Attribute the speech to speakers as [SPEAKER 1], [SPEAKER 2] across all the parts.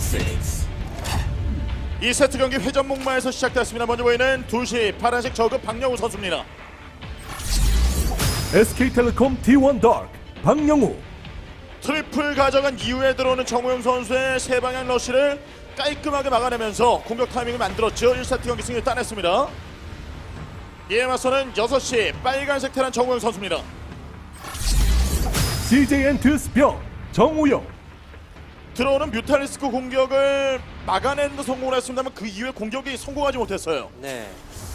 [SPEAKER 1] 2세트 경기 회전 목마에서 시작됐습니다. 먼저 보이는 2시 파란색 저그 박영우 선수입니다.
[SPEAKER 2] SK텔레콤 T1 다크 박영우.
[SPEAKER 1] 트리플 가져간 이후에 들어오는 정우영 선수의 세 방향 러시를 깔끔하게 막아내면서 공격 타이밍을 만들었죠. 1세트 경기 승리를 따냈습니다. 이에 맞서는 6시 빨간색 테란 정우영 선수입니다.
[SPEAKER 2] CJN 스병 정우영.
[SPEAKER 1] 들어오는 뮤탈리스크 공격을 막아내는 데 성공을 했습니다만 그 이후에 공격이 성공하지 못했어요.
[SPEAKER 3] 네.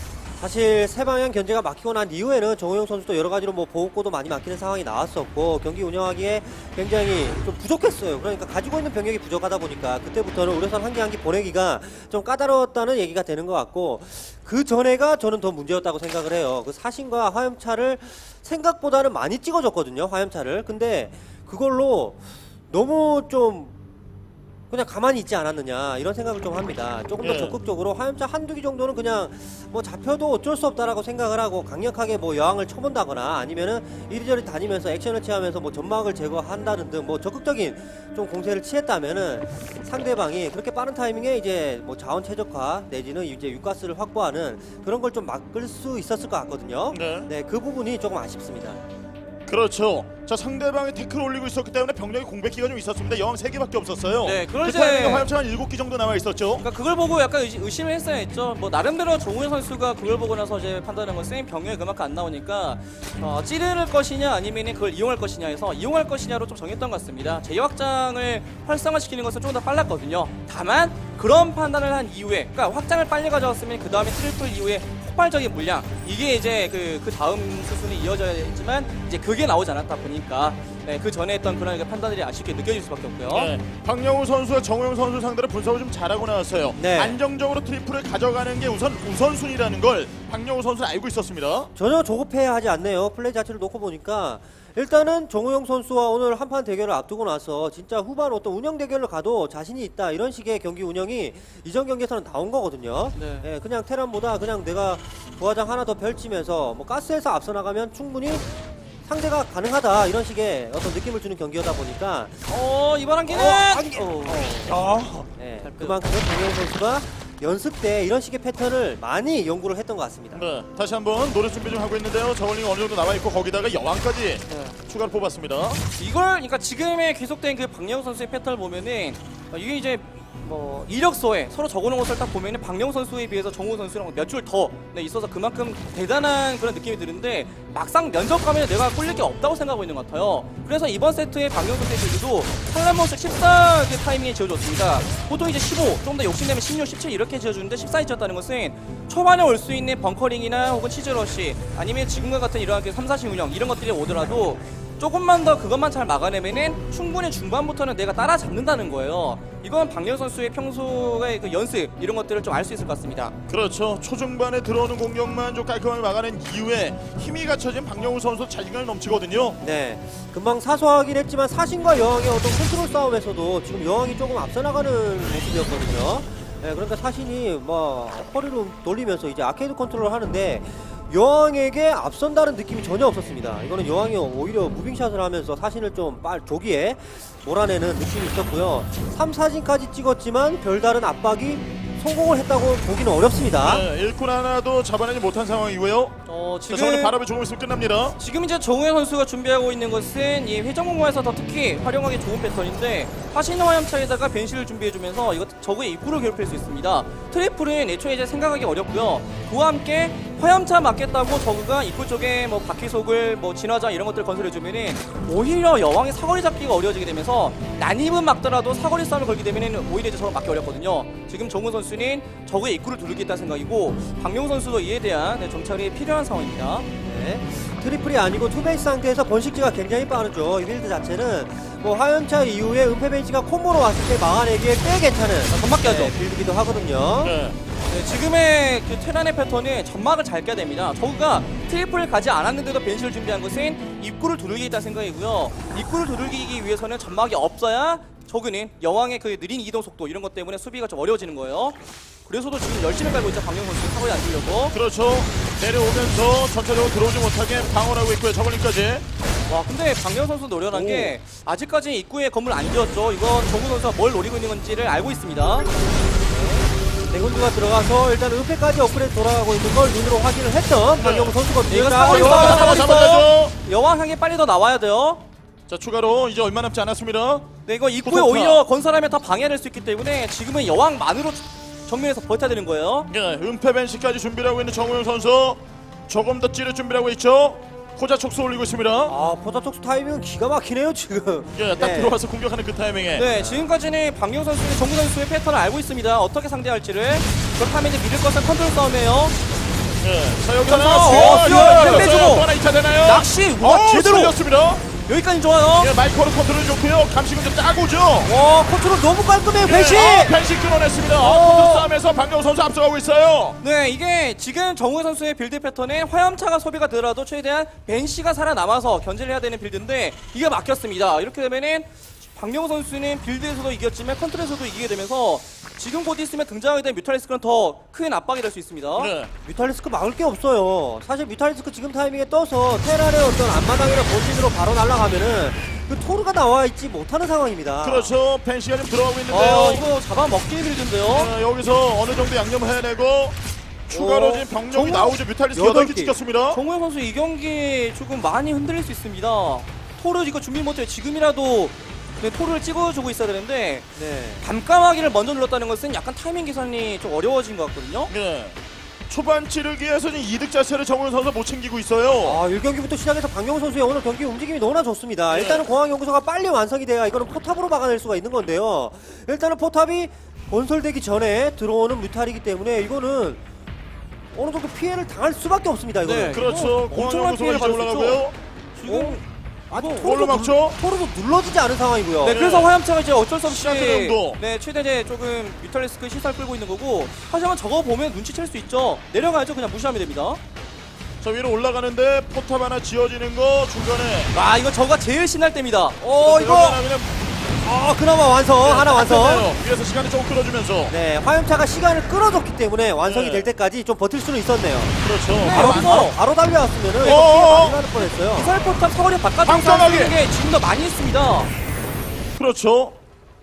[SPEAKER 3] 사실 세 방향 견제가 막히고 난 이후에는 정우영 선수도 여러 가지로 뭐 보호구도 많이 막히는 상황이 나왔었고 경기 운영하기에 굉장히 좀 부족했어요. 그러니까 가지고 있는 병력이 부족하다 보니까 그때부터는 우려선 한 개 한 개 보내기가 좀 까다로웠다는 얘기가 되는 것 같고 그 전에가 저는 더 문제였다고 생각을 해요. 그 사신과 화염차를 생각보다는 많이 찍어줬거든요. 화염차를. 근데 그걸로 너무 좀 그냥 가만히 있지 않았느냐 이런 생각을 좀 합니다. 조금 더
[SPEAKER 1] 예.
[SPEAKER 3] 적극적으로 화염차 한두 기 정도는 그냥 뭐 잡혀도 어쩔 수 없다라고 생각을 하고 강력하게 뭐 여왕을 쳐본다거나 아니면은 이리저리 다니면서 액션을 취하면서 뭐 점막을 제거한다는 등 뭐 적극적인 좀 공세를 취했다면은 상대방이 그렇게 빠른 타이밍에 이제 뭐 자원 최적화 내지는 이제 육가스를 확보하는 그런 걸 좀 막을 수 있었을 것 같거든요.
[SPEAKER 1] 네.
[SPEAKER 3] 그 부분이 조금 아쉽습니다.
[SPEAKER 1] 그렇죠. 자, 상대방이 태클을 올리고 있었기 때문에 병력이 공백기가 좀 있었습니다. 여왕 3개밖에 없었어요.
[SPEAKER 3] 네,
[SPEAKER 1] 그
[SPEAKER 3] 그럴 때-
[SPEAKER 1] 타이밍에 화염차가 7기 정도 남아 있었죠.
[SPEAKER 4] 그러니까 그걸 보고 약간 의심을 했어야 했죠. 뭐 나름대로 정우영 선수가 그걸 보고 나서 이제 판단한 것은 병력이 그만큼 안 나오니까 찌르는 것이냐 아니면 그걸 이용할 것이냐 해서 이용할 것이냐로 좀 정했던 것 같습니다. 제2확장을 활성화시키는 것은 좀 더 빨랐거든요. 다만 그런 판단을 한 이후에 그러니까 확장을 빨리 가져왔으면 그 다음에 트리플 이후에 폭발적인 물량 이게 이제 그 다음 수순이 이어져야지만 이제 그게 나오지 않았다 보니까 네, 그 전에 했던 그런 판단들이 아쉽게 느껴질 수밖에 없고요.
[SPEAKER 1] 네. 박영우 선수와 정우영 선수 상대로 분석을 좀 잘하고 나왔어요.
[SPEAKER 3] 네.
[SPEAKER 1] 안정적으로 트리플을 가져가는 게 우선순위라는 걸 박영우 선수는 알고 있었습니다.
[SPEAKER 3] 전혀 조급해야 하지 않네요. 플레이 자체를 놓고 보니까 일단은 정우영 선수와 오늘 한판 대결을 앞두고 나서 진짜 후반 어떤 운영 대결을 가도 자신이 있다 이런 식의 경기 운영이 이전 경기에서는 나온 거거든요.
[SPEAKER 4] 네.
[SPEAKER 3] 예, 그냥 테란보다 그냥 내가 부하장 하나 더 펼치면서 뭐 가스에서 앞서 나가면 충분히 상대가 가능하다 이런 식의 어떤 느낌을 주는 경기여다 보니까
[SPEAKER 4] 이번 한기는
[SPEAKER 1] 아,
[SPEAKER 3] 그만큼 정우영 선수가 연습 때 이런 식의 패턴을 많이 연구를 했던 것 같습니다.
[SPEAKER 1] 네. 다시 한번 노래 준비 좀 하고 있는데요. 저울링 어느 정도 나와 있고 거기다가 여왕까지 추가로 뽑았습니다.
[SPEAKER 4] 이걸 그러니까 지금의 계속된 그 박영우 선수의 패턴을 보면은 이게 이제 뭐 이력서에 서로 적어놓은 것을 딱 보면은 박영우 선수에 비해서 정우 선수랑 몇 줄 더 있어서 그만큼 대단한 그런 느낌이 드는데 막상 면접 가면 내가 꿀릴 게 없다고 생각하고 있는 것 같아요. 그래서 이번 세트에 박영우 선수의 빌드도 탈란몬스 14 그 타이밍에 지어줬습니다. 보통 이제 15, 좀 더 욕심내면 16, 17 이렇게 지어주는데 14에 지었다는 것은 초반에 올 수 있는 벙커링이나 혹은 치즈러시 아니면 지금과 같은 이러한 그 3, 4신 운영 이런 것들이 오더라도 조금만 더 그것만 잘 막아내면은 충분히 중반부터는 내가 따라잡는다는 거예요. 이건 박영 선수의 평소의 그 연습 이런 것들을 좀 알 수 있을 것 같습니다.
[SPEAKER 1] 그렇죠. 초중반에 들어오는 공격만 좀 깔끔하게 막아낸 이후에 힘이 갖춰진 박영우 선수 자신감이 넘치거든요.
[SPEAKER 3] 네, 금방 사소하긴 했지만 사신과 여왕의 어떤 컨트롤 싸움에서도 지금 여왕이 조금 앞서 나가는 모습이었거든요. 네, 그러니까 사신이 뭐 허리로 돌리면서 이제 아케이드 컨트롤을 하는데 여왕에게 앞선다는 느낌이 전혀 없었습니다. 이거는 여왕이 오히려 무빙샷을 하면서 사신을 좀 조기에 몰아내는 느낌이 있었고요. 3, 4진까지 찍었지만 별다른 압박이 성공을 했다고 보기는 어렵습니다.
[SPEAKER 1] 네, 일꾼 하나도 잡아내지 못한 상황이고요. 자, 저는 바람이 조금 있으면 끝납니다.
[SPEAKER 4] 지금 이제 정우영 선수가 준비하고 있는 것은 이 회전공간에서 더 특히 활용하기 좋은 패턴인데 화신의 화염차에다가 벤시를 준비해주면서 이거 적의 입구를 괴롭힐 수 있습니다. 트리플은 애초에 이제 생각하기 어렵고요. 그와 함께 화염차 맞겠다고 저그가 입구 쪽에 뭐 바퀴속을 뭐 진화장 이런 것들 건설해주면은 오히려 여왕이 사거리 잡기가 어려워지게 되면서 난입은 막더라도 사거리 싸움을 걸게 되면은 오히려 이제 저걸 막기 어렵거든요. 지금 정우 선수는 적의 입구를 두르겠다는 생각이고 박명우 선수도 이에 대한 정찰이 필요한 상황입니다.
[SPEAKER 3] 네, 트리플이 아니고 투베이스 상태에서 번식지가 굉장히 빠르죠. 이 빌드 자체는 뭐 화염차 이후에 은폐벤시가 콤보로 왔을 때 막아내기에 꽤 괜찮은
[SPEAKER 4] 전막기 하죠.
[SPEAKER 3] 빌드기도 하거든요.
[SPEAKER 1] 네.
[SPEAKER 4] 네, 지금의 그 테란의 패턴은 점막을 잘 깨야 됩니다. 저그가 트리플을 가지 않았는데도 벤시를 준비한 것은 입구를 두들기겠다는 생각이고요. 입구를 두들기기 위해서는 점막이 없어야 저그는 여왕의 그 느린 이동 속도 이런 것 때문에 수비가 좀 어려워지는 거예요. 그래서도 지금 열심히 깔고 있죠. 박영 선수 사거리 안 주려고.
[SPEAKER 1] 그렇죠. 내려오면서 전체적으로 들어오지 못하게 방어를 하고 있고요. 저걸링까지.
[SPEAKER 4] 와 근데 박명 선수 노련한 게 아직까지 입구에 건물 안 지었죠. 이건 정우 선수가 뭘 노리고 있는 건지를 알고 있습니다.
[SPEAKER 3] 대군주가 들어가서 일단 은폐까지 업그레이드 돌아가고 있는 걸 눈으로 확인을 했던 박영우 선수거든요.
[SPEAKER 4] 이거
[SPEAKER 3] 자,
[SPEAKER 4] 사고 있어요.
[SPEAKER 3] 여왕
[SPEAKER 4] 사고 있어요.
[SPEAKER 1] 잡아야죠.
[SPEAKER 4] 여왕 향이 빨리 더 나와야 돼요.
[SPEAKER 1] 자, 추가로 이제 얼마 남지 않았습니다.
[SPEAKER 4] 네, 이거 입구에
[SPEAKER 1] 포탑.
[SPEAKER 4] 오히려 건설하면 더 방해될 수 있기 때문에 지금은 여왕만으로 정면에서 버텨야 되는 거예요.
[SPEAKER 1] 예, 은폐 벤시까지 준비를 하고 있는 정우영 선수. 조금 더 찌를 준비를 하고 있죠. 호자 촉수 올리고 있습니다.
[SPEAKER 3] 아, 포자 촉수 타이밍은 기가 막히네요, 지금.
[SPEAKER 1] 예, 딱
[SPEAKER 3] 네.
[SPEAKER 1] 들어와서 공격하는 그 타이밍에.
[SPEAKER 4] 네, 지금까지는 박명 선수의 정우 선수의 패턴을 알고 있습니다. 어떻게 상대할지를. 그렇다면 이제 믿을 것은 컨트롤 싸움이에요.
[SPEAKER 1] 예, 자, 여기
[SPEAKER 4] 그래서,
[SPEAKER 1] 하나
[SPEAKER 4] 수열, 빼주고.
[SPEAKER 1] 또 하나 2차 되나요?
[SPEAKER 4] 낚시, 와, 제대로.
[SPEAKER 1] 습니다
[SPEAKER 4] 여기까지 좋아요.
[SPEAKER 1] 예, 마이크로 컨트롤 좋고요. 감식은 좀 짜고죠.
[SPEAKER 3] 와, 컨트롤 너무 깔끔해요, 배시!
[SPEAKER 1] 벤시 끊어냈습니다. 컨트롤 싸움에서 박명호 선수 앞서가고 있어요.
[SPEAKER 4] 네, 이게 지금 정우 선수의 빌드 패턴에 화염차가 소비가 되더라도 최대한 벤시가 살아남아서 견제를 해야 되는 빌드인데 이게 막혔습니다. 이렇게 되면은 박명호 선수는 빌드에서도 이겼지만 컨트롤에서도 이기게 되면서 지금 곧 있으면 등장하게 된 뮤탈리스크는 더 큰 압박이 될 수 있습니다.
[SPEAKER 1] 네.
[SPEAKER 3] 뮤탈리스크 막을 게 없어요. 사실 뮤탈리스크 지금 타이밍에 떠서 테란의 어떤 앞마당이나 본진으로 바로 날아가면은 그 토르가 나와 있지 못하는 상황입니다.
[SPEAKER 1] 그렇죠. 벤시가 좀 들어가고 있는데요.
[SPEAKER 4] 이거 잡아먹기 빌드인데요.
[SPEAKER 1] 여기서 어느 정도 양념을 해내고 추가로 지금 병력이 나오죠. 뮤탈리스크 8개 찍혔습니다.
[SPEAKER 4] 정우영 선수 이 경기 조금 많이 흔들릴 수 있습니다. 토르 이거 준비 못해요. 지금이라도 네, 토르를 찍어주고 있어야 되는데
[SPEAKER 3] 네.
[SPEAKER 4] 밤까마귀를 먼저 눌렀다는 것은 약간 타이밍 계산이 좀 어려워진 것 같거든요.
[SPEAKER 1] 네. 초반 찌르기에서 지금 이득 자체를 정우영 선수가 못 챙기고 있어요.
[SPEAKER 3] 아, 1경기부터 시작해서 박명호 선수의 오늘 경기 움직임이 너무나 좋습니다. 일단은 공항연구소가 빨리 완성이 돼야 이거는 포탑으로 막아낼 수가 있는 건데요. 일단은 포탑이 건설되기 전에 들어오는 뮤탈이기 때문에 이거는 어느 정도 피해를 당할 수밖에 없습니다. 이거는.
[SPEAKER 4] 네.
[SPEAKER 1] 그렇죠.
[SPEAKER 4] 엄청난
[SPEAKER 1] 공항연구소가
[SPEAKER 4] 피해를
[SPEAKER 1] 이제
[SPEAKER 4] 받을 수
[SPEAKER 1] 올라가고요.
[SPEAKER 4] 지금
[SPEAKER 3] 아직
[SPEAKER 1] 뭘로 막죠?
[SPEAKER 3] 토르도 눌러지지 않은 상황이고요.
[SPEAKER 4] 네, 그래서 화염차가 이제 어쩔 수 없이
[SPEAKER 1] 시간대 정도.
[SPEAKER 4] 네, 최대 이제 조금 뮤탈리스크 시설 끌고 있는 거고 하지만 저거 보면 눈치챌 수 있죠. 내려가야죠. 그냥 무시하면 됩니다.
[SPEAKER 1] 저 위로 올라가는데 포탑 하나 지어지는 거 중간에.
[SPEAKER 4] 아, 이거 저가 제일 신날 때입니다.
[SPEAKER 3] 이거
[SPEAKER 1] 그냥
[SPEAKER 3] 그나마 완성 하나 완성.
[SPEAKER 1] 위에서 시간을 조금 끌어주면서.
[SPEAKER 3] 네, 화염차가 시간을 끌어줬기 때문에 완성이
[SPEAKER 1] 네.
[SPEAKER 3] 될 때까지 좀 버틸 수는 있었네요.
[SPEAKER 1] 그렇죠.
[SPEAKER 3] 바로 달려왔으면은 이거
[SPEAKER 1] 어어어.
[SPEAKER 3] 피해 많이 받을 뻔했어요.
[SPEAKER 4] 미사일 포탑 사거리 바깥으로
[SPEAKER 1] 밤까마귀!
[SPEAKER 4] 쏘는 게 지금 더 많이 있습니다.
[SPEAKER 1] 그렇죠.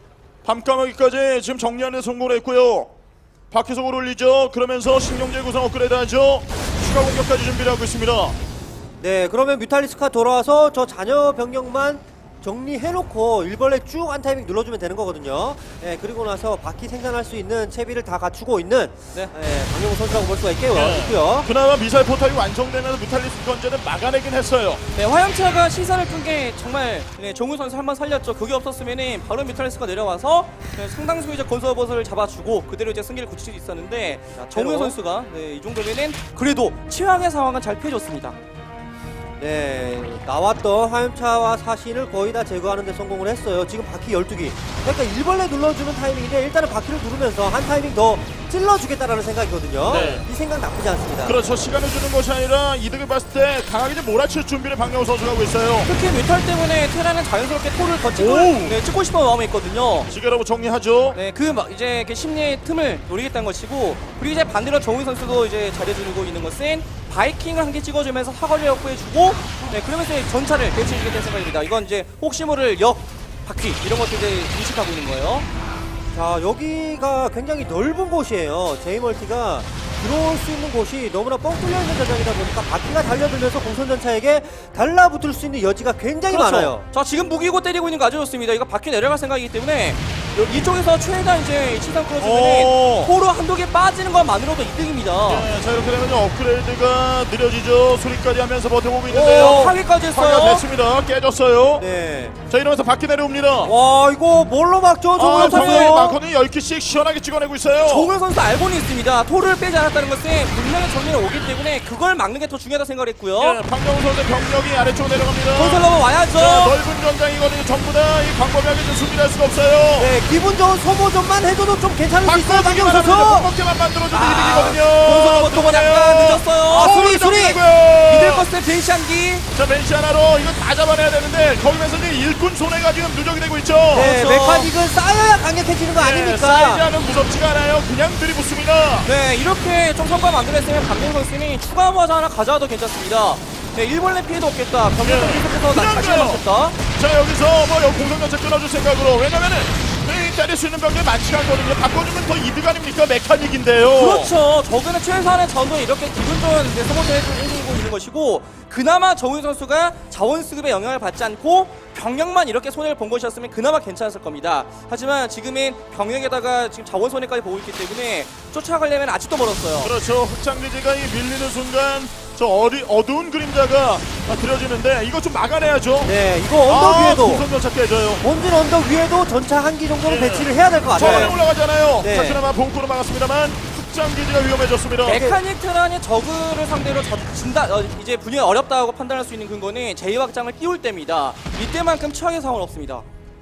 [SPEAKER 1] 밤까마귀까지 지금 정리하는 데 성공을 했고요. 밖에서 올리죠. 그러면서 신경제 구성 업그레이드하죠. 추가 공격까지 준비를 하고 있습니다.
[SPEAKER 3] 네, 그러면 뮤탈리스크가 돌아와서 저 잔여 병력만 정리해놓고 일벌레 쭉 한 타이밍 눌러주면 되는 거거든요. 네, 그리고 나서 바퀴 생산할 수 있는 채비를 다 갖추고 있는
[SPEAKER 4] 네.
[SPEAKER 3] 박영호 선수라고 볼 수가 있고요.
[SPEAKER 1] 네. 그나마 미사일 포탑이 완성되면서 무탈리스크 건재는 막아내긴 했어요.
[SPEAKER 4] 네, 화염차가 시선을 끈 게 정말 네, 정우 선수 한번 살렸죠. 그게 없었으면은 바로 뮤탈리스크가 내려와서 네, 상당수 이제 건설버섯을 잡아주고 그대로 이제 승기를 굳힐 수 있었는데 정우
[SPEAKER 3] 테러.
[SPEAKER 4] 선수가 네, 이 정도면은 그래도 최악의 상황은 잘 피해줬습니다.
[SPEAKER 3] 네, 나왔던 화염차와 사신을 거의 다 제거하는 데 성공을 했어요. 지금 바퀴 12기. 그러니까 일벌레 눌러주는 타이밍인데 일단은 바퀴를 누르면서 한 타이밍 더 찔러주겠다라는 생각이거든요.
[SPEAKER 1] 네.
[SPEAKER 3] 이 생각 나쁘지 않습니다.
[SPEAKER 1] 그렇죠. 시간을 주는 것이 아니라 이득을 봤을 때 강하게 좀 몰아칠 준비를 박명호 선수가 하고 있어요.
[SPEAKER 4] 특히 뮤탈 때문에 테라는 자연스럽게 토를 더 찍고,
[SPEAKER 1] 오!
[SPEAKER 4] 네, 찍고 싶은 마음이 있거든요.
[SPEAKER 1] 지게라고 정리하죠.
[SPEAKER 4] 네, 이제 그 심리의 틈을 노리겠다는 것이고, 그리고 이제 반대로 정우 선수도 이제 잘해주고 있는 것은 바이킹을 한 개 찍어주면서 사거리 확보해주고, 네, 그러면서 이제 전차를 배치해주겠다는 생각입니다. 이건 이제 혹시 모를 역, 바퀴 이런 것들 이제 인식하고 있는 거예요.
[SPEAKER 3] 자, 여기가 굉장히 넓은 곳이에요. 제이멀티가 들어올 수 있는 곳이 너무나 뻥 뚫려 있는 전장이다 보니까 바퀴가 달려들면서 공선전차에게 달라붙을 수 있는 여지가 굉장히 많아요.
[SPEAKER 4] 자, 지금 무기고 때리고 있는 거 아주 좋습니다. 이거 바퀴 내려갈 생각이기 때문에 이쪽에서 최대한 이제 시선
[SPEAKER 1] 오.
[SPEAKER 4] 끌어주면 포로 한두 개 빠지는 것만으로도 이득입니다.
[SPEAKER 1] 네, 자 이렇게 되면 업그레이드가 느려지죠. 수리까지 하면서 버텨보고 있는데요.
[SPEAKER 4] 파괴까지
[SPEAKER 1] 파괴가
[SPEAKER 4] 했어요.
[SPEAKER 1] 됐습니다. 깨졌어요.
[SPEAKER 3] 네.
[SPEAKER 1] 자 이러면서 바퀴 내려옵니다.
[SPEAKER 3] 와, 이거 뭘로 막죠? 정우영
[SPEAKER 1] 정우영
[SPEAKER 3] 선수.
[SPEAKER 1] 마커는 10개씩 시원하게 찍어내고 있어요.
[SPEAKER 4] 정우영 선수 알고는 있습니다. 토를 빼지 않았다는 것은 분명히 정면에 오기 때문에 그걸 막는 게 더 중요하다 생각을 했고요.
[SPEAKER 1] 네, 박명호 선수의 병력이 아래쪽으로 내려갑니다.
[SPEAKER 4] 건설 넘어 와야죠.
[SPEAKER 1] 자, 넓은 전장이거든요. 전부 다 이 광범위하게 좀 수비를 할 수가 없어요.
[SPEAKER 3] 네, 기분 좋은 소모전만 해줘도 좀 괜찮을 수 있어요,
[SPEAKER 1] 바꿔주기만
[SPEAKER 3] 박영호
[SPEAKER 1] 하면
[SPEAKER 3] 선수.
[SPEAKER 1] 꺾게만 만들어줘도 이득이거든요.
[SPEAKER 4] 건설 넘어 또뭐 약간 늦었어요.
[SPEAKER 3] 수리.
[SPEAKER 4] 이들 것의 벤시한기.
[SPEAKER 1] 자, 벤시 하나로 이거 다 잡아내야 되는데 거기면서 이제 일꾼 손해가 지금 누적이 되고 있죠.
[SPEAKER 3] 네,
[SPEAKER 4] 그렇죠.
[SPEAKER 3] 메카닉은 쌓여야 강력해지는 거
[SPEAKER 1] 네,
[SPEAKER 3] 아닙니까?
[SPEAKER 1] 사이즈하면 무섭지가 않아요. 그냥 들이붙습니다.
[SPEAKER 4] 네, 이렇게 좀 성과 만들었으면 박명 선수는 추가 모자 하나 가져와도 괜찮습니다. 네, 일벌레 피해도 없겠다. 병력도
[SPEAKER 1] 예.
[SPEAKER 4] 계속해서
[SPEAKER 1] 그냥
[SPEAKER 4] 다시
[SPEAKER 1] 가요.
[SPEAKER 4] 맞췄다.
[SPEAKER 1] 자 여기서 뭐 공성전차 끊어줄 생각으로 왜냐면은 때릴 수 있는 병력이 많지가 않거든요. 바꿔주면 더 이득 아닙니까? 메카닉인데요.
[SPEAKER 4] 그렇죠. 저그는 최소한의 전도 이렇게 기분 좋은 소모를 해주고 있는 것이고 그나마 정우영 선수가 자원 수급에 영향을 받지 않고 병력만 이렇게 손해를 본 것이었으면 그나마 괜찮았을 겁니다. 하지만 지금은 병력에다가 지금 자원 손해까지 보고 있기 때문에 쫓아가려면 아직도 멀었어요.
[SPEAKER 1] 그렇죠. 확장기지가 이 밀리는 순간 저 어두운 그림자가 그려지는데 이거 좀 막아내야죠.
[SPEAKER 3] 네, 이거 언덕 위에도
[SPEAKER 1] 공성전차 깨져요.
[SPEAKER 3] 본진 언덕 위에도 전차 한 기 정도는
[SPEAKER 1] 예.
[SPEAKER 3] 배치를 해야 될 것
[SPEAKER 1] 저번에
[SPEAKER 3] 같아요.
[SPEAKER 1] 올라가잖아요.
[SPEAKER 3] 네.
[SPEAKER 1] 자신아마 봉구로 막았습니다만 확장기지가 위험해졌습니다.
[SPEAKER 4] 메카닉 테란이 저그를 상대로 이제 분위기가 어렵다고 판단할 수 있는 근거는 제2확장을 띄울 때입니다. 이때만큼 최악의 상황은 없습니다.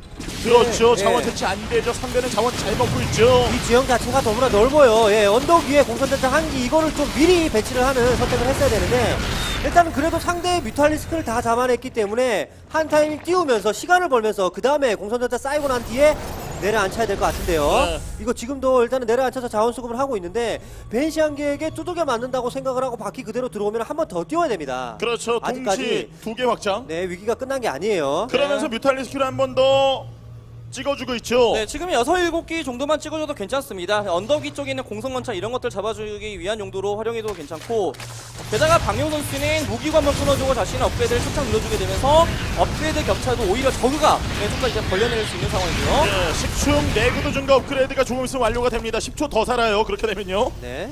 [SPEAKER 1] 그렇죠.
[SPEAKER 3] 네.
[SPEAKER 1] 자원 대치 안 되죠. 상대는 자원 잘 먹고 있죠.
[SPEAKER 3] 이 지형 자체가 너무나 넓어요. 예, 언덕 위에 공선전차 한 기 이거를 좀 미리 배치를 하는 선택을 했어야 되는데 일단은 그래도 상대의 뮤탈리스크를 다 잡아냈기 때문에 한 타이밍 띄우면서 시간을 벌면서 그 다음에 공선전차 쌓이고 난 뒤에 내려앉혀야 될 것 같은데요.
[SPEAKER 1] 네.
[SPEAKER 3] 이거 지금도 일단은 내려앉혀서 자원 수급을 하고 있는데 벤시안계에게 두들겨 맞는다고 생각을 하고 바퀴 그대로 들어오면 한 번 더 띄워야 됩니다.
[SPEAKER 1] 그렇죠. 동시
[SPEAKER 3] 아직까지
[SPEAKER 1] 2개 확장.
[SPEAKER 3] 네, 위기가 끝난 게 아니에요.
[SPEAKER 1] 그러면서 뮤탈리스크를 한 번 더 찍어주고 있죠.
[SPEAKER 4] 네, 지금 6, 7기 정도만 찍어줘도 괜찮습니다. 언덕 위쪽에 있는 공성건차 이런 것들 잡아주기 위한 용도로 활용해도 괜찮고 게다가 박용 선수는 무기고 한번 끊어주고 자신의 업그레이드를 착착 눌러주게 되면서 업그레이드 격차도 오히려 저그가 좀 더 이제 벌려낼 수 있는 상황이고요.
[SPEAKER 1] 네, 10충 내구도 증가 업그레이드가 조금 있으면 완료가 됩니다. 10초 더 살아요. 그렇게 되면요.
[SPEAKER 3] 네.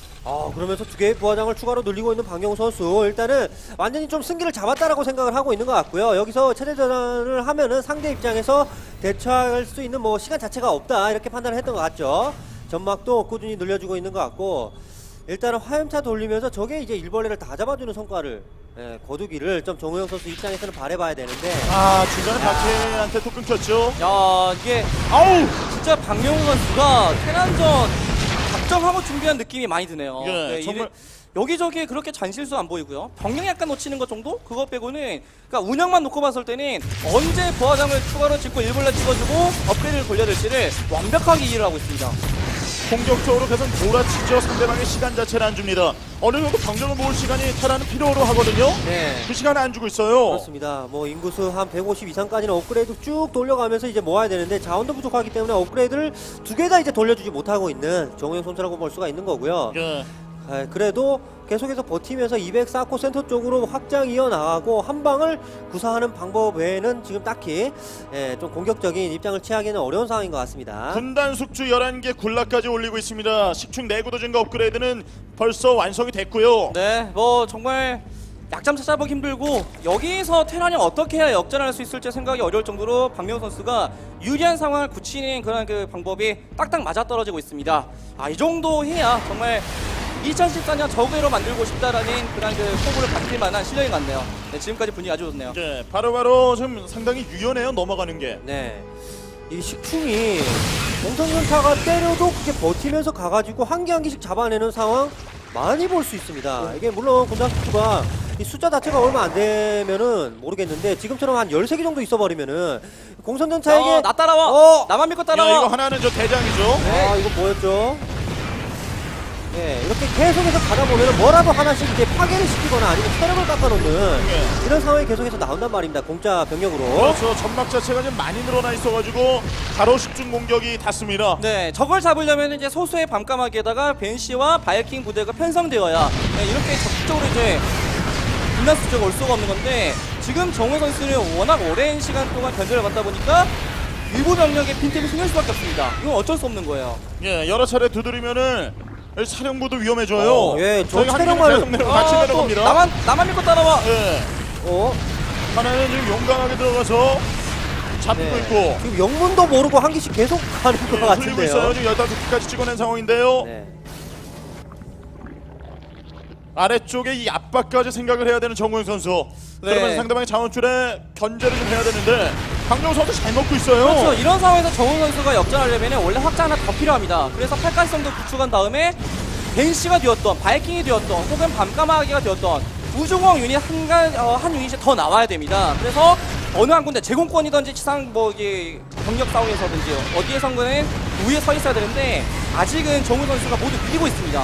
[SPEAKER 3] 그러면서 두 개의 부하장을 추가로 늘리고 있는 박영우 선수 일단은 완전히 좀 승기를 잡았다라고 생각을 하고 있는 것 같고요. 여기서 체제 전환을 하면은 상대 입장에서 대처할 수 있는 뭐 시간 자체가 없다 이렇게 판단을 했던 것 같죠. 전막도 꾸준히 늘려주고 있는 것 같고 일단은 화염차 돌리면서 저게 이제 일벌레를 다 잡아주는 성과를 거두기를 좀 정우영 선수 입장에서는 바라봐야 되는데
[SPEAKER 1] 중간에 박해한테 또 끊겼죠.
[SPEAKER 4] 야, 이게 아우 진짜 박명호 선수가 테란전 작정하고 준비한 느낌이 많이 드네요.
[SPEAKER 1] 예, 정말-
[SPEAKER 4] 여기저기 그렇게 잔실수 안 보이고요. 병력 약간 놓치는 것 정도? 그것 빼고는 그러니까 운영만 놓고 봤을 때는 언제 부하장을 추가로 짓고 일벌레 찍어주고 업그레이드를 돌려야 될지를 완벽하게 이해를 하고 있습니다.
[SPEAKER 1] 공격적으로 계속 몰아치죠. 상대방의 시간 자체를 안 줍니다. 어느 정도 병력을 모을 시간이 테라는 필요로 하거든요.
[SPEAKER 3] 네.
[SPEAKER 1] 그 시간을 안 주고 있어요.
[SPEAKER 3] 그렇습니다. 뭐 인구수 한 150 이상까지는 업그레이드 쭉 돌려가면서 이제 모아야 되는데 자원도 부족하기 때문에 업그레이드를 두 개 다 이제 돌려주지 못하고 있는 정우영 선수라고 볼 수가 있는 거고요.
[SPEAKER 1] 예.
[SPEAKER 3] 그래도 계속해서 버티면서 204코 센터 쪽으로 확장 이어나가고 한 방을 구사하는 방법 외에는 지금 딱히 좀 공격적인 입장을 취하기는 어려운 상황인 것 같습니다.
[SPEAKER 1] 군단 숙주 11개 굴락까지 올리고 있습니다. 10충 내구도 증가 업그레이드는 벌써 완성이 됐고요.
[SPEAKER 4] 네, 뭐 정말 약점 찾아보기 힘들고 여기서 테란이 어떻게 해야 역전할 수 있을지 생각이 어려울 정도로 박명호 선수가 유리한 상황을 굳히는 그런 그 방법이 딱딱 맞아떨어지고 있습니다. 이 정도 해야 정말 2014년 저그로 만들고 싶다라는 그런 그 포부를 받을 만한 실력이 같네요. 네, 지금까지 분위기 아주 좋네요.
[SPEAKER 1] 예, 바로바로 좀 상당히 유연해요. 넘어가는 게.
[SPEAKER 3] 네. 이 식충이 공성전차가 때려도 그게 버티면서 가가지고 한 개 한 개씩 잡아내는 상황 많이 볼 수 있습니다. 이게 물론 군단 숙주가 이 숫자 자체가 얼마 안 되면은 모르겠는데 지금처럼 한 13개 정도 있어버리면은 공성전차에게
[SPEAKER 4] 나 따라와! 나만 믿고
[SPEAKER 1] 야,
[SPEAKER 4] 따라와!
[SPEAKER 1] 이거 하나는 저 대장이죠.
[SPEAKER 3] 이거 뭐였죠? 네, 이렇게 계속해서 가다 보면 뭐라도 하나씩 이제 파괴를 시키거나 아니면 체력을 깎아놓는 이런 상황이 계속해서 나온단 말입니다. 공짜 병력으로.
[SPEAKER 1] 그렇죠. 점막 자체가 좀 많이 늘어나 있어가지고 바로 10충 공격이 닿습니다.
[SPEAKER 4] 네, 저걸 잡으려면 이제 소수의 밤까마귀에다가 벤시와 바이킹 부대가 편성되어야 이렇게 적극적으로 이제 분단 수적을 올 수가 없는 건데 지금 정우 선수는 워낙 오랜 시간 동안 견제를 받다 보니까 일부 병력의 빈틈이 생길 수밖에 없습니다. 이건 어쩔 수 없는 거예요.
[SPEAKER 1] 예, 여러 차례 두드리면은 사령부도 위험해져요.
[SPEAKER 3] 저
[SPEAKER 1] 저희가
[SPEAKER 3] 체력만은-
[SPEAKER 1] 계속 같이
[SPEAKER 4] 또
[SPEAKER 1] 내려갑니다.
[SPEAKER 4] 나만 믿고 따라와.
[SPEAKER 1] 예,
[SPEAKER 3] 어?
[SPEAKER 1] 하나는 지금 용감하게 들어가서 잡고
[SPEAKER 3] 네.
[SPEAKER 1] 있고
[SPEAKER 3] 지금 영문도 모르고 한 개씩 계속 가는 것
[SPEAKER 1] 흘리고
[SPEAKER 3] 같은데요.
[SPEAKER 1] 있어요. 지금 15개까지 찍어낸 상황인데요.
[SPEAKER 3] 네.
[SPEAKER 1] 아래쪽에 이 압박까지 생각을 해야 되는 정우영 선수.
[SPEAKER 4] 네.
[SPEAKER 1] 그러면 상대방의 자원줄에 견제를 좀 해야 되는데 강정호 선수 잘 먹고 있어요.
[SPEAKER 4] 그렇죠. 이런 상황에서 정우 선수가 역전하려면 원래 확장 하나 더 필요합니다. 그래서 팔가성도 구축한 다음에 벤시가 되었던 바이킹이 되었던 혹은 밤까마귀가 되었던 우주공 유닛 한 유닛이 더 나와야 됩니다. 그래서 어느 한 군데 제공권이든지 지상 뭐 이게 경력 싸움에서든지 어디에선가는 우위에 서 있어야 되는데 아직은 정우 선수가 모두 밀리고 있습니다.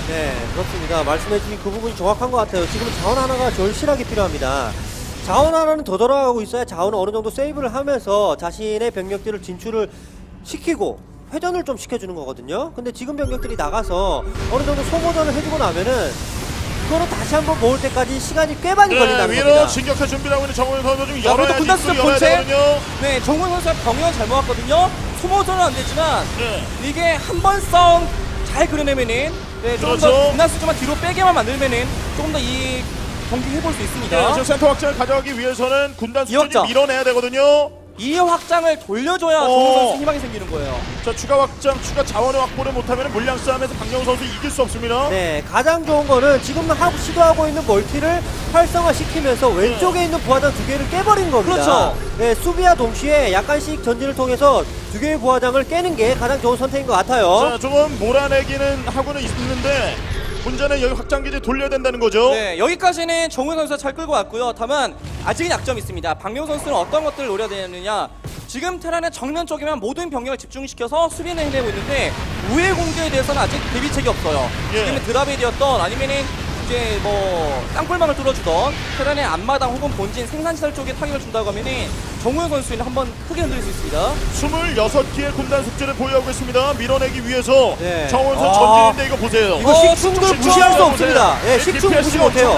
[SPEAKER 3] 네, 그렇습니다. 말씀해주신 그 부분이 정확한 것 같아요. 지금 자원 하나가 절실하게 필요합니다. 자원 하나는 더 돌아가고 있어야 자원을 어느 정도 세이브를 하면서 자신의 병력들을 진출을 시키고 회전을 좀 시켜주는 거거든요. 근데 지금 병력들이 나가서 어느 정도 소모전을 해주고 나면은 그거는 다시 한번 모을 때까지 시간이 꽤 많이 걸린다는
[SPEAKER 1] 위로
[SPEAKER 3] 겁니다.
[SPEAKER 1] 진격할 준비를 하고 있는 정우영 선수 좀
[SPEAKER 4] 자, 그래도
[SPEAKER 1] 열어야
[SPEAKER 4] 군단 수적
[SPEAKER 1] 열어야
[SPEAKER 4] 본체.
[SPEAKER 1] 되거든요.
[SPEAKER 4] 네, 정우영 선수가 병력은 잘 모았거든요. 소모전은 안 되지만
[SPEAKER 1] 네.
[SPEAKER 4] 이게 한 번 싸움 잘 그려내면은 네, 조금
[SPEAKER 1] 그렇죠.
[SPEAKER 4] 더 군단 수적만 뒤로 빼게만 만들면은 조금 더 이 경기 해볼 수 있습니다.
[SPEAKER 1] 네, 지금 센터 확장을 가져가기 위해서는 군단 수준이
[SPEAKER 4] 이었죠.
[SPEAKER 1] 밀어내야 되거든요.
[SPEAKER 4] 이 확장을 돌려줘야 정우영 선수 희망이 생기는 거예요.
[SPEAKER 1] 자, 추가 확장, 추가 자원을 확보를 못하면 물량 싸움에서 박영우 선수 이길 수 없습니다.
[SPEAKER 3] 네, 가장 좋은 거는 지금 시도하고 있는 멀티를 활성화시키면서 왼쪽에 있는 부하장 두 개를 깨버린 겁니다.
[SPEAKER 4] 그렇죠.
[SPEAKER 3] 네, 수비와 동시에 약간씩 전진을 통해서 두 개의 부하장을 깨는 게 가장 좋은 선택인 것 같아요.
[SPEAKER 1] 자, 조금 몰아내기는 하고는 있는데 문제는 여기 확장기지 돌려야 된다는 거죠.
[SPEAKER 4] 네, 여기까지는 정우영 선수가 잘 끌고 왔고요. 다만 아직은 약점이 있습니다. 박명우 선수는 어떤 것들을 노려야 되느냐. 지금 테란의 정면 쪽에만 모든 병력을 집중시켜서 수비를 해내고 있는데 우회 공격에 대해서는 아직 대비책이 없어요.
[SPEAKER 1] 예.
[SPEAKER 4] 지금은 드랍이었던 아니면은 이제 뭐 땅굴망을 뚫어주던 테란의 앞마당 혹은 본진 생산시설 쪽에 타격을 준다고 하면은 정우영 선수는 한번 크게 흔들릴 수 있습니다.
[SPEAKER 1] 26개의 군단 숙제를 보유하고 있습니다. 밀어내기 위해서
[SPEAKER 3] 네.
[SPEAKER 1] 정원 선수
[SPEAKER 3] 아.
[SPEAKER 1] 전진인데 이거 보세요.
[SPEAKER 3] 이거 식충을 무시할 수 없습니다. 예, 식충 무시 못해요.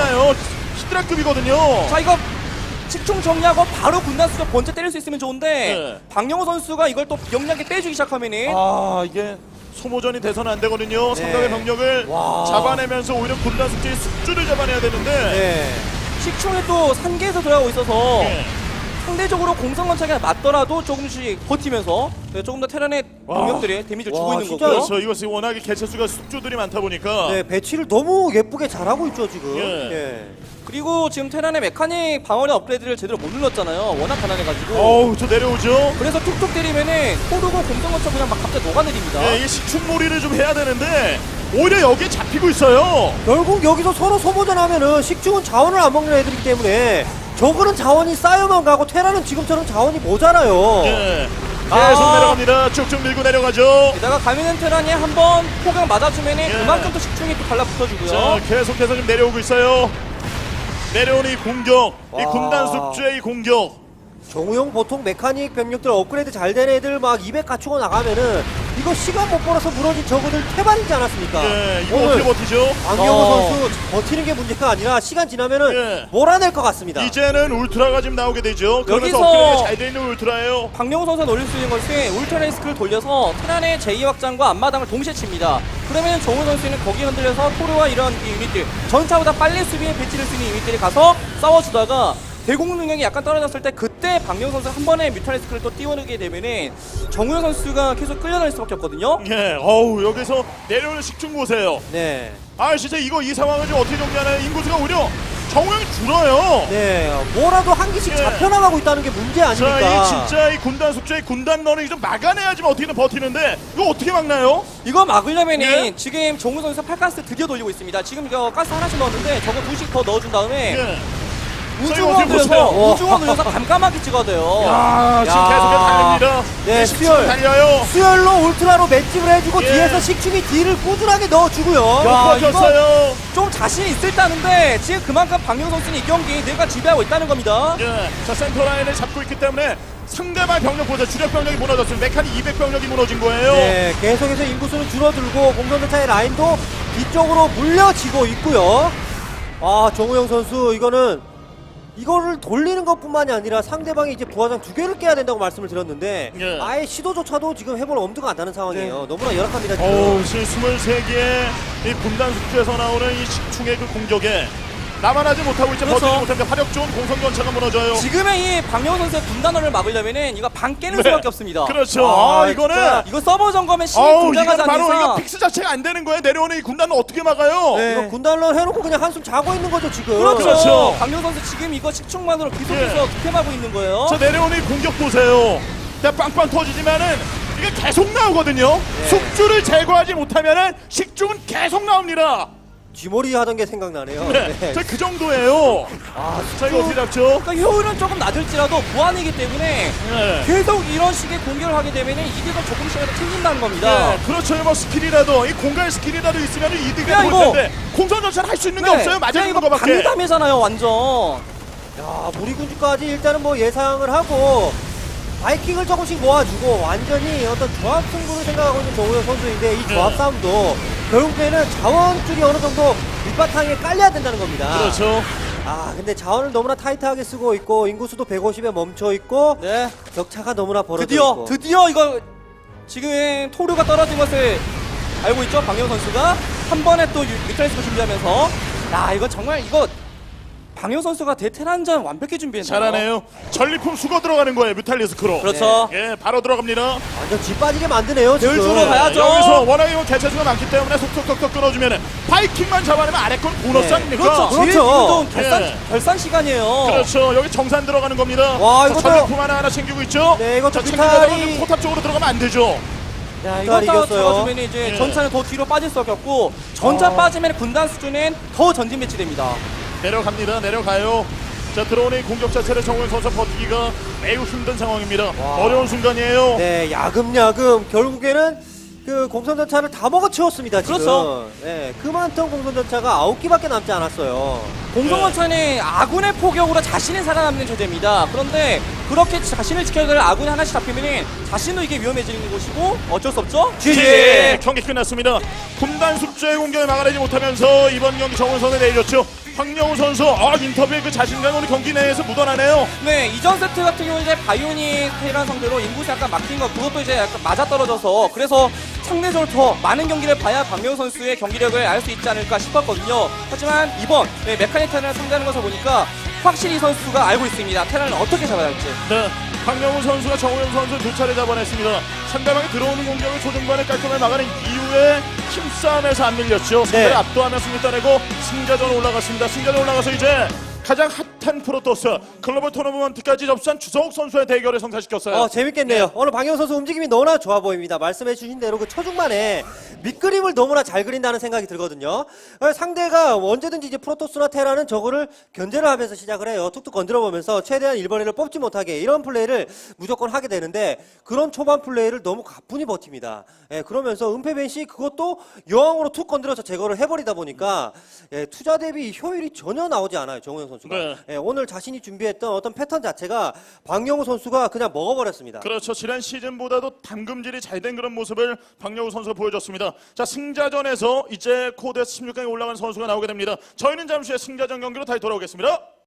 [SPEAKER 1] 히드라급이거든요.
[SPEAKER 4] 자, 이거 식충 정리하고 바로 군단 수적 번째 때릴 수 있으면 좋은데
[SPEAKER 1] 네.
[SPEAKER 4] 박영호 선수가 이걸 또 영리하게 빼주기 시작하면은
[SPEAKER 1] 이게 소모전이 돼서는 안 되거든요.
[SPEAKER 3] 네.
[SPEAKER 1] 상당의 병력을
[SPEAKER 3] 와.
[SPEAKER 1] 잡아내면서 오히려 군단 숙제의 숙주를 잡아내야 되는데
[SPEAKER 3] 네.
[SPEAKER 4] 식충이 또 산계에서 들어가고 있어서
[SPEAKER 1] 예.
[SPEAKER 4] 상대적으로 공성건차가 맞더라도 조금씩 버티면서 네, 조금 더 테란의 병력들이 데미지를 주고
[SPEAKER 3] 와,
[SPEAKER 4] 있는
[SPEAKER 3] 진짜요?
[SPEAKER 4] 거고요.
[SPEAKER 1] 그렇죠. 이것이 워낙에 개체수가 숙주들이 많다 보니까
[SPEAKER 3] 네, 배치를 너무 예쁘게 잘하고 있죠, 지금.
[SPEAKER 1] 예.
[SPEAKER 3] 예.
[SPEAKER 4] 그리고 지금 테란의 메카닉 방어력 업그레이드를 제대로 못 눌렀잖아요. 워낙 가난해가지고.
[SPEAKER 1] 어우 저 내려오죠.
[SPEAKER 4] 그래서 툭툭 때리면은 호르고 공성건차 그냥 막 갑자기 녹아내립니다.
[SPEAKER 1] 예, 이게 식충몰이를 좀 해야 되는데 오히려 여기에 잡히고 있어요.
[SPEAKER 3] 결국 여기서 서로 소모전 하면은 식충은 자원을 안 먹는 애들이기 때문에 저거는 자원이 쌓여만 가고 테라는 지금처럼 자원이 모자라요.
[SPEAKER 1] 예. 계속
[SPEAKER 4] 아.
[SPEAKER 1] 내려갑니다. 쭉쭉 밀고 내려가죠.
[SPEAKER 4] 게다가 가면은 테란이 한번 포강 맞아주면은
[SPEAKER 1] 예.
[SPEAKER 4] 그만큼 또 식충이 또 달라붙어주고요.
[SPEAKER 1] 자, 계속해서 좀 내려오고 있어요. 내려오는 이 공격, 이
[SPEAKER 3] 와.
[SPEAKER 1] 군단 숙주의 이 공격.
[SPEAKER 3] 정우영 보통 메카닉 병력들 업그레이드 잘 된 애들 막 200 갖추고 나가면은 이거 시간 못 벌어서 무너진 저거들 태반이지 않았습니까?
[SPEAKER 1] 예, 이거
[SPEAKER 3] 오늘
[SPEAKER 1] 어떻게 버티죠?
[SPEAKER 3] 박영호 선수 버티는 게 문제가 아니라 시간 지나면은
[SPEAKER 1] 예.
[SPEAKER 3] 몰아낼 것 같습니다.
[SPEAKER 1] 이제는 울트라가 지금 나오게 되죠. 그러면서
[SPEAKER 4] 여기서-
[SPEAKER 1] 업그레이드가 잘 돼 있는 울트라예요.
[SPEAKER 4] 박영호 선수가 노릴 수 있는 것은 울트라 리스크를 돌려서 테란의 제2확장과 앞마당을 동시에 칩니다. 그러면 정우 선수는 거기에 흔들려서 토르와 이런 이 유닛들 전차보다 빨리 수비에 배치를 쓰는 유닛들이 가서 싸워주다가 대공 능력이 약간 떨어졌을 때 그때 박영호 선수가 한 번에 뮤탈리스크를 또 띄워내게 되면은 정우영 선수가 계속 끌려다닐 수밖에 없거든요.
[SPEAKER 1] 예, 어우 여기서 내려오는 식충 보세요.
[SPEAKER 3] 네.
[SPEAKER 1] 아 진짜 이 상황을 좀 어떻게 정리하나요? 인구수가 오히려 정우영이 줄어요.
[SPEAKER 3] 네. 뭐라도 한 개씩
[SPEAKER 1] 예.
[SPEAKER 3] 잡혀나가고 있다는 게 문제 아닙니까?
[SPEAKER 1] 자, 이 진짜 이 군단 숙제의 군단 러닝 좀 막아내야지만 어떻게든 버티는데 이거 어떻게 막나요?
[SPEAKER 4] 이거 막으려면은
[SPEAKER 1] 예.
[SPEAKER 4] 지금 정우 선수가 팔가스 드디어 돌리고 있습니다. 지금 이거 가스 하나씩 넣었는데 저거 2씩 더 넣어준 다음에
[SPEAKER 1] 예.
[SPEAKER 4] 우중원
[SPEAKER 1] 어떻게 보세요?
[SPEAKER 4] 돌려서 우중원 돌려서 감감하게 찍어야 돼요.
[SPEAKER 1] 야, 지금
[SPEAKER 3] 야.
[SPEAKER 1] 계속해서 달립니다.
[SPEAKER 3] 네,
[SPEAKER 1] 식충
[SPEAKER 3] 수열.
[SPEAKER 1] 달려요.
[SPEAKER 3] 수열로 울트라로 맷집을 해주고
[SPEAKER 1] 예.
[SPEAKER 3] 뒤에서 식충이 딜을 꾸준하게 넣어주고요.
[SPEAKER 4] 야,
[SPEAKER 1] 버텼어요.
[SPEAKER 4] 좀 자신이 있을다는데 지금 그만큼 박영 선수는 이 경기 내가 지배하고 있다는 겁니다.
[SPEAKER 1] 예. 자, 센터 라인을 잡고 있기 때문에 상대방 병력보다 주력 병력이 무너졌습니다. 메카닉 200병력이 무너진 거예요.
[SPEAKER 3] 네, 계속해서 인구수는 줄어들고 공성전차의 라인도 뒤쪽으로 물려지고 있고요. 아, 정우영 선수 이거를 돌리는 것뿐만이 아니라 상대방이 이제 부하장 2개를 깨야 된다고 말씀을 드렸는데
[SPEAKER 1] 예.
[SPEAKER 3] 아예 시도조차도 지금 해볼 엄두가 안 나는 상황이에요.
[SPEAKER 4] 네.
[SPEAKER 3] 너무나 열악합니다 지금.
[SPEAKER 1] 어우, 지금 23개의 이 군단 숙주에서 나오는 이 식충의 그 공격에 나만 하지 못하고 이제
[SPEAKER 4] 그렇죠.
[SPEAKER 1] 버티지 못합니다. 화력 좋은 공성전차가 무너져요.
[SPEAKER 4] 지금의 이 박영 선수의 분단원을 막으려면은 이거 방 깨는
[SPEAKER 1] 네.
[SPEAKER 4] 수밖에 없습니다.
[SPEAKER 1] 그렇죠.
[SPEAKER 3] 아,
[SPEAKER 1] 이거는
[SPEAKER 3] 진짜.
[SPEAKER 4] 이거 서버 점검에 신이
[SPEAKER 1] 어우,
[SPEAKER 4] 등장하지
[SPEAKER 1] 이거는
[SPEAKER 4] 않는
[SPEAKER 1] 바로 이거
[SPEAKER 4] 이상
[SPEAKER 1] 픽스 자체가 안 되는 거예요. 내려오는 이 군단은 어떻게 막아요?
[SPEAKER 4] 네.
[SPEAKER 3] 이거 군단런 해놓고 그냥 한숨 자고 있는 거죠 지금.
[SPEAKER 4] 그렇죠.
[SPEAKER 1] 그렇죠.
[SPEAKER 4] 박영 선수 지금 이거 식충만으로 계속해서
[SPEAKER 1] 예.
[SPEAKER 4] 득템하고 있는 거예요.
[SPEAKER 1] 저 내려오는 이 공격 보세요. 그냥 빵빵 터지지만은 이게 계속 나오거든요.
[SPEAKER 3] 네.
[SPEAKER 1] 숙주를 제거하지 못하면은 식중은 계속 나옵니다.
[SPEAKER 3] 쥐머리 하던 게 생각나네요.
[SPEAKER 1] 네.
[SPEAKER 3] 네.
[SPEAKER 1] 그 정도예요. 자, 이거 어떻게 잡죠?
[SPEAKER 4] 그러니까 효율은 조금 낮을지라도 무한이기 때문에
[SPEAKER 1] 네.
[SPEAKER 4] 계속 이런 식의 공격을 하게 되면 이득을 조금씩이라도 챙긴다는 겁니다.
[SPEAKER 1] 네, 그렇죠. 뭐 스킬이라도 이 공간 스킬이라도 있으면 이득이
[SPEAKER 4] 야,
[SPEAKER 1] 볼
[SPEAKER 4] 이거-
[SPEAKER 1] 텐데 공선 전차는 할 수 있는 게
[SPEAKER 4] 네,
[SPEAKER 1] 없어요. 맞아
[SPEAKER 4] 그냥
[SPEAKER 1] 있는
[SPEAKER 4] 이거
[SPEAKER 1] 거밖에.
[SPEAKER 4] 방위담이잖아요, 완전.
[SPEAKER 3] 야, 무리군주까지 일단은 뭐 예상을 하고 바이킹을 조금씩 모아주고 완전히 어떤 조합 승부를 생각하고 있는 정우영 선수인데 이 조합
[SPEAKER 1] 네.
[SPEAKER 3] 싸움도 결국에는 자원줄이 어느 정도 밑바탕에 깔려야 된다는 겁니다.
[SPEAKER 1] 그렇죠.
[SPEAKER 3] 근데 자원을 너무나 타이트하게 쓰고 있고 인구수도 150에 멈춰 있고
[SPEAKER 4] 네.
[SPEAKER 3] 격차가 너무나 벌어져 있고
[SPEAKER 4] 드디어 이거 지금 토르가 떨어진 것을 알고 있죠, 방영 선수가 한 번에 또 뮤탈리스크 준비하면서 야 이거 정말 이거 방영 선수가 대테란전 완벽히 준비했네요.
[SPEAKER 1] 잘하네요. 전리품 수거 들어가는 거예요. 뮤탈리스크로.
[SPEAKER 4] 그렇죠.
[SPEAKER 1] 예, 바로 들어갑니다.
[SPEAKER 3] 완전 쥐 빠지게 만드네요 지금.
[SPEAKER 4] 들수록 가야죠.
[SPEAKER 1] 여기서 워낙에 뭐 개체수가 많기 때문에 속속속속 끊어주면은 바이킹만 잡아내면 아래 건 보너스
[SPEAKER 3] 네.
[SPEAKER 1] 아닙니까?
[SPEAKER 4] 그렇죠.
[SPEAKER 3] 그렇죠.
[SPEAKER 4] 지금 결산
[SPEAKER 1] 예.
[SPEAKER 4] 결산 시간이에요.
[SPEAKER 1] 그렇죠. 여기 정산 들어가는 겁니다.
[SPEAKER 3] 와,
[SPEAKER 1] 자,
[SPEAKER 3] 이것도-
[SPEAKER 1] 전리품 하나 챙기고 있죠.
[SPEAKER 3] 네, 이것도
[SPEAKER 1] 자, 챙기려고
[SPEAKER 3] 뮤탈이-
[SPEAKER 1] 포탑 쪽으로 들어가면 안 되죠.
[SPEAKER 4] 야,
[SPEAKER 3] 이거
[SPEAKER 4] 이거
[SPEAKER 3] 이겼어요.
[SPEAKER 4] 잡아주면 이제
[SPEAKER 1] 예.
[SPEAKER 4] 전차는 더 뒤로 빠질 수밖에 없고 전차 빠지면 군단 수준은 더 전진 배치됩니다.
[SPEAKER 1] 내려갑니다. 내려가요. 자, 들어오는 이 공격 자체를 정우영 선수 버티기가 매우 힘든 상황입니다. 어려운 순간이에요.
[SPEAKER 3] 네, 야금야금 결국에는 그 공선전차를 다 먹어치웠습니다 지금.
[SPEAKER 4] 그렇죠.
[SPEAKER 3] 네, 그 많던 공선전차가 9기밖에 남지 않았어요.
[SPEAKER 4] 공성원천이 아군의 포격으로 자신이 살아남는 존재입니다. 그런데 그렇게 자신을 지켜야 될 아군이 하나씩 잡히면 자신도 이게 위험해지는 것이고 어쩔 수 없죠.
[SPEAKER 1] 예, 경기 끝났습니다. 군단 숙제의 공격을 막아내지 못하면서 이번 경기 정우영 선수 내줬죠. 황영우 선수 인터뷰에 그 자신감 오늘 경기 내에서 묻어나네요.
[SPEAKER 4] 네, 이전 세트 같은 경우 이제 바이오닉 테란 상대로 인구수 약간 막힌 거 그것도 이제 약간 맞아떨어져서 그래서 상대적으로 더 많은 경기를 봐야 박명우 선수의 경기력을 알 수 있지 않을까 싶었거든요. 하지만 이번 메카닉 테란을 상대하는 것을 보니까 확실히 이 선수가 알고 있습니다. 테란을 어떻게 잡아야 할지.
[SPEAKER 1] 네, 황영우 선수가 정우영 선수 두 차례 잡아냈습니다. 상대방이 들어오는 공격을 초중반에 깔끔하게 막아낸 이후에 힘싸움에서 안 밀렸죠. 상대를 압도하며 승리 따내고 승자전 올라갔습니다. 승자전 올라가서 이제 가장 핫한 프로토스 글로벌 토너먼트까지 접수한 주성욱 선수의 대결을 성사시켰어요.
[SPEAKER 3] 재밌겠네요. 오늘 방영 선수 움직임이 너무나 좋아 보입니다. 말씀해주신 대로 그 초중반에 밑그림을 너무나 잘 그린다는 생각이 들거든요. 상대가 언제든지 이제 프로토스나 테라는 저거를 견제를 하면서 시작을 해요. 툭툭 건드려 보면서 최대한 1번에를 뽑지 못하게 이런 플레이를 무조건 하게 되는데 그런 초반 플레이를 너무 가뿐히 버팁니다. 그러면서 은폐벤시 그것도 여왕으로 툭 건드려서 제거를 해버리다 보니까 투자 대비 효율이 전혀 나오지 않아요. 정우영 선수가.
[SPEAKER 1] 네.
[SPEAKER 3] 오늘 자신이 준비했던 어떤 패턴 자체가 박영우 선수가 그냥 먹어버렸습니다.
[SPEAKER 1] 그렇죠. 지난 시즌보다도 담금질이 잘 된 그런 모습을 박영우 선수가 보여줬습니다. 자, 승자전에서 이제 코드 16강에 올라간 선수가 나오게 됩니다. 저희는 잠시 후에 승자전 경기로 다시 돌아오겠습니다.